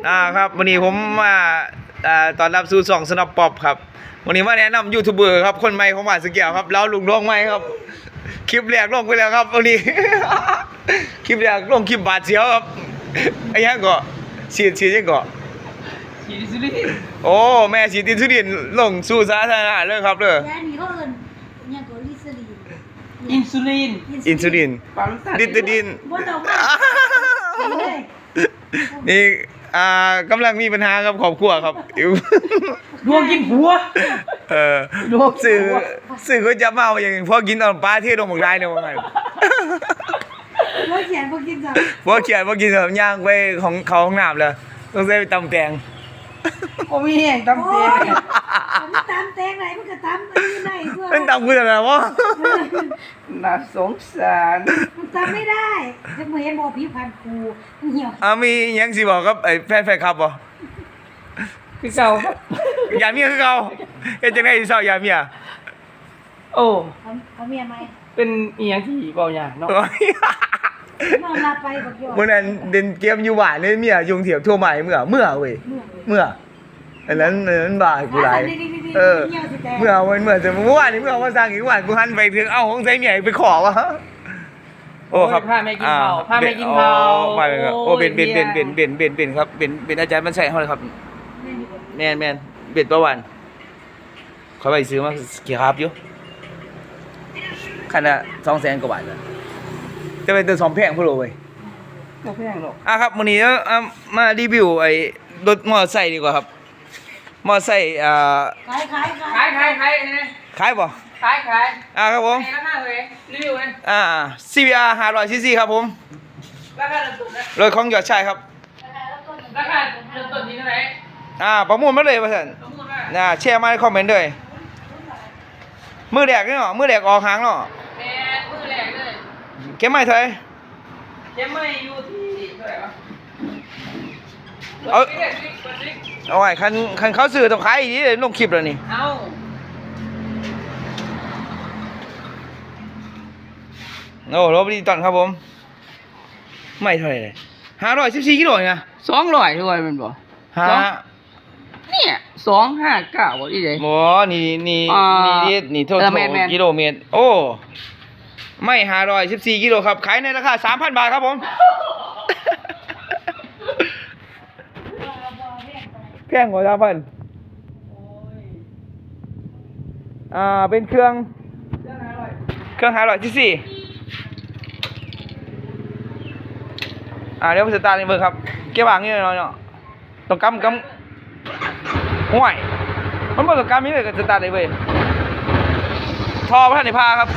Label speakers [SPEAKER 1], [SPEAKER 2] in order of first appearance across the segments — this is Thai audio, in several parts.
[SPEAKER 1] ครับวันนี้ผมมาตอนรับสู่2สนับป๊อปครับวันนี้มาแนะนำยูทูบเบอร์ครับคนใหม่ของบ้านสแก้วครับแล้วลุงน้องใหม่ครับคลิปแรกลงไปแล้วครับวันนี้ คลิปแรกลงคลิปบาดเสียวครับไอ้ยังก็ฉีดยังก็
[SPEAKER 2] ฉีดอินซูลิน
[SPEAKER 1] โอ้แม่ฉีดอินซูลินลงสู่สาธารณะเลยครับเด้อ
[SPEAKER 3] นี่เขาเอิ้นยังก็ลิซลีน
[SPEAKER 2] อินซูลิน
[SPEAKER 1] อินซูลินดิตดิน
[SPEAKER 3] บ่ต้องมาเลย
[SPEAKER 1] นี่กำลังมีปัญหากับครอบครัวครับ
[SPEAKER 2] ดวงกินหัวดวง
[SPEAKER 1] สื่อก็จะเมาอย่างพอกินตอนปลาที่ลงหมกได้เนี่ยว่าไง
[SPEAKER 3] บ่เขียนบ่กินจ้ะ
[SPEAKER 1] พอเขียนพอกินแบบย่างไปของเขาห้องน้ำเลยต้องใส่ไปตำแตง
[SPEAKER 2] ก็มีแห้งตำแตง
[SPEAKER 3] มันตำแตงไหนมันก็ตำอันนี้ได้ด้วย
[SPEAKER 1] มันตำกูจะอะไรวะ
[SPEAKER 2] น่าสงสาร
[SPEAKER 3] มันตำไม่ได้จะมาเห็นบ่พี่พันครูเหี่ยว
[SPEAKER 1] มียังสิบอกครับไอ้แฟนครับบ่
[SPEAKER 2] คือเก่าครับ
[SPEAKER 1] ยาเมียคือเก่าเฮ็ดจังได๋สิเซายาเมีย
[SPEAKER 2] โอ้
[SPEAKER 3] เขาเมียไหม
[SPEAKER 2] เป็นอีหยังที่เว้ายากเนาะ
[SPEAKER 3] นอนหลับไปบักยอ
[SPEAKER 1] มื้อนั้นเล่นเกมอยู่บ้านนี่เมียยุงเถียบทั่วใหม่เมื่อเว้ยเมื่ออันนั้นบ้ากูหลายเมื่อจะเมื่อวานนี้เมื่อมาสร้างอีกวันกูหันไปถึงเอ้าของใส่เมียไปขอวะโอ้ครับ
[SPEAKER 2] พาแม่กินข้าวพาแม่กินข้าว
[SPEAKER 1] ไปเลยครับโอ้เป็นครับเป็นอาจารย์มันใช่เฮาเลยครับแม่นเบ็ดประวันเขาไปซื้อมากี่ครับอยู่คันละ200,000 กว่าบาทจะเป็นตัว2แพงพุ่นโลเว้ย
[SPEAKER 2] บ่แพงหรอก
[SPEAKER 1] ครับมื้อนี้มารีวิวไอ้รถมอเตอร์ไซค์ดีกว่าครับมอเตอร์ไซค์
[SPEAKER 3] ขาย
[SPEAKER 1] ขายบ่
[SPEAKER 2] ขาย
[SPEAKER 1] ครับผม
[SPEAKER 2] ราคาเลยรีวิวนะ
[SPEAKER 1] CBR 500cc ครับผม
[SPEAKER 2] ราคาเริ่มต้นนะ
[SPEAKER 1] รถของยอดชายครับ
[SPEAKER 2] ราคาเริ่มต้นที่เท่าไหร่
[SPEAKER 1] ประมูลมาเลยว่าซั่นแชร์มาในคอมเมนต์ด้วยมือแรกนี่เนาะมือแรกออกหางเนาะ
[SPEAKER 2] แม่มือแรกเลย
[SPEAKER 1] เก็บไม้เท่าไหร่
[SPEAKER 2] เก็บไม้อยู่ที่เท่าไหร่วะ
[SPEAKER 1] เอาไว้คันเขาซื้อต้องขายอีกลงคลิปแล้วนี่โอ้รถดีตอนครับผมไม่เท่าไหร่เลย514กิโลนะ
[SPEAKER 2] 200ด้วยมันบ่เนี่ย259บ่อีเด้
[SPEAKER 1] บ่นี่โทษกิโลเมตรโอ้ไม่514กิโลครับขายในราคา 3,000 บาทครับผมแพงกว่า3,000เป็นเครื่อง500ccเดี๋ยวผมสตาร์ทนี่เบิ่งครับเก็บวางนี่หน่อยเนาะต้องกำห่วยมันบ่ต้องกำนี่เลยก็สตาร์ทได้เว้ยท่อบ่ทันได้พาครับ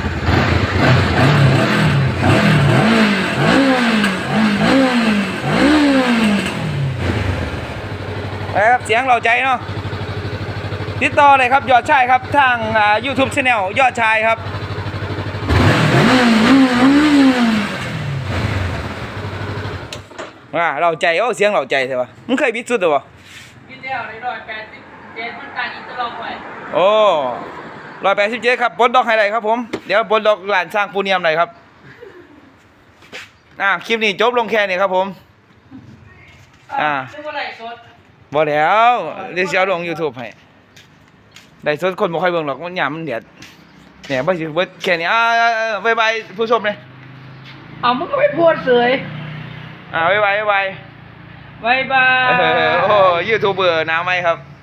[SPEAKER 1] ครับเสียงเราใจเนาะติดต่อเลยครับยอดชายครับทาง YouTube Channel ยอดชายครับเราใจโอ้เสียงเราใจใช่ปะมึงเคยบิดสุดหรือเปล่า
[SPEAKER 2] บิดแล้ว187มันต่างอินเตอร์ล็อกไว้
[SPEAKER 1] โอ้187ครับปลดล็อกให้ได้ครับผมเดี๋ยวปลดล็อกร้านสร้างปูเนียมหน่อยครับคลิปนี้จบลงแค่นี้ครับผม
[SPEAKER 2] ชื่อว่าไรสด
[SPEAKER 1] บ่แล้วเดี๋ยวจะเอาลง YouTube ให้ได้สดคนบ่ค่อยเบิ่งหรอกมันหยามมันเดือดเนี่ยบ่สิเบิดแค่นี้บ๊ายบายผู้ชมเลย
[SPEAKER 2] มึงก็ไม่พูดเลย
[SPEAKER 1] บ๊ายบาย
[SPEAKER 2] โอ้
[SPEAKER 1] ยูทูบเบอร์หน้าใหม่ครับ